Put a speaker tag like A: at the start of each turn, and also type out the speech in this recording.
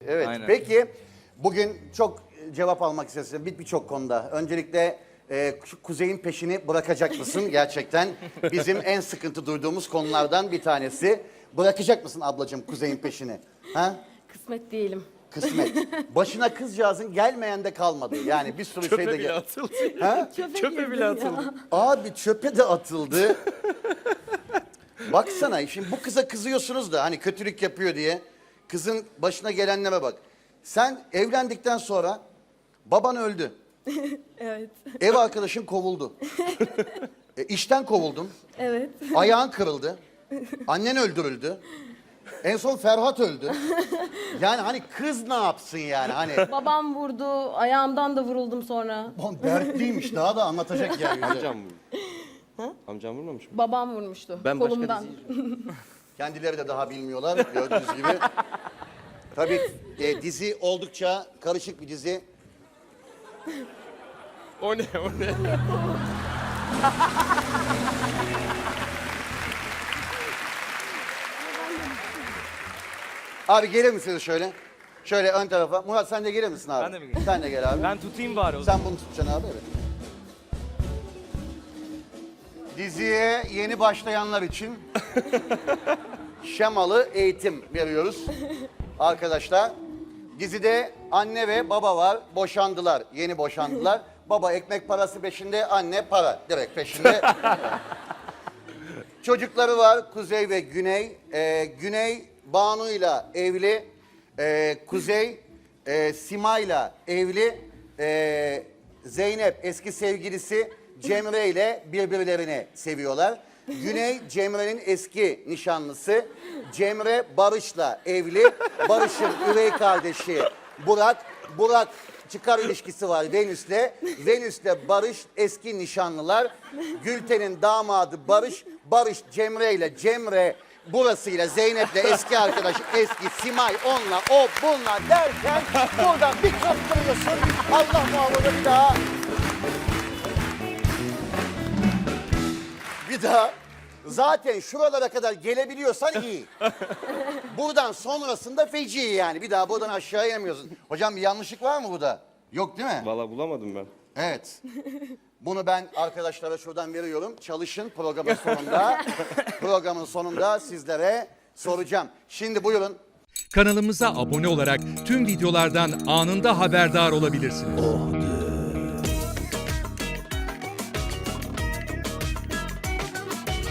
A: Evet.
B: Aynen.
A: Peki bugün çok cevap almak istedim birçok konuda. Öncelikle şu Kuzey'in peşini bırakacak mısın gerçekten? Bizim en sıkıntı duyduğumuz konulardan bir tanesi. Bırakacak mısın ablacığım Kuzey'in peşini? Ha?
C: Kısmet değilim.
A: Kısmet. Başına kızcağızın gelmeyen de kalmadı. Yani bir sürü şey de
B: Çöpe bile atıldı.
A: Ha?
B: Çöpe bile atıldı.
A: Abi çöpe de atıldı. Baksana şimdi bu kıza kızıyorsunuz da hani kötülük yapıyor diye. Kızın başına gelenlere bak. Sen evlendikten sonra baban öldü.
C: Evet.
A: Ev arkadaşın kovuldu. İşten kovuldun.
C: Evet.
A: Ayağın kırıldı. Annen öldürüldü. En son Ferhat öldü. Yani hani kız ne yapsın yani hani.
C: Babam vurdu. Ayağımdan da vuruldum sonra.
A: Lan dertliymiş daha da anlatacak yani.
D: Amcam vurdu. Amcam vurmamış mı?
C: Babam vurmuştu.
D: Ben başka
C: kolumdan.
D: dizi
A: Kendileri de daha bilmiyorlar gördüğünüz gibi. Tabii dizi oldukça karışık bir dizi.
D: O ne o ne?
A: Abi gelir misiniz şöyle? Şöyle ön tarafa. Murat sen de gelir misin abi?
B: Ben de mi geleyim?
A: Sen de gel abi.
B: Ben tutayım bari o zaman.
A: Sen bunu tutacaksın abi evet. Diziye yeni başlayanlar için şemalı eğitim veriyoruz. Arkadaşlar dizide anne ve baba var. Boşandılar. Yeni boşandılar. Baba ekmek parası peşinde, anne para direkt peşinde. Çocukları var Kuzey ve Güney. Güney Banu'yla evli. Kuzey Sima'yla evli. Zeynep eski sevgilisi Cemre ile birbirlerini seviyorlar. Güney Cemre'nin eski nişanlısı. Cemre Barış'la evli. Barış'ın üvey kardeşi Burak. Burak çıkar ilişkisi var Venüs'le. Venüs'le Barış eski nişanlılar. Gülten'in damadı Barış. Barış Cemre ile Cemre burasıyla Zeynep'le eski arkadaş eski Simay onunla o bununla derken buradan bir kaptırıyorsun. Allah muhafaza bir daha zaten şuralara kadar gelebiliyorsan iyi. Buradan sonrasında feci yani. Bir daha buradan aşağı inemiyorsun. Hocam bir yanlışlık var mı burada? Yok değil mi?
D: Valla bulamadım ben.
A: Evet. Bunu ben arkadaşlara şuradan veriyorum. Çalışın programın sonunda. Programın sonunda sizlere soracağım. Şimdi buyurun.
E: Kanalımıza abone olarak tüm videolardan anında haberdar olabilirsiniz.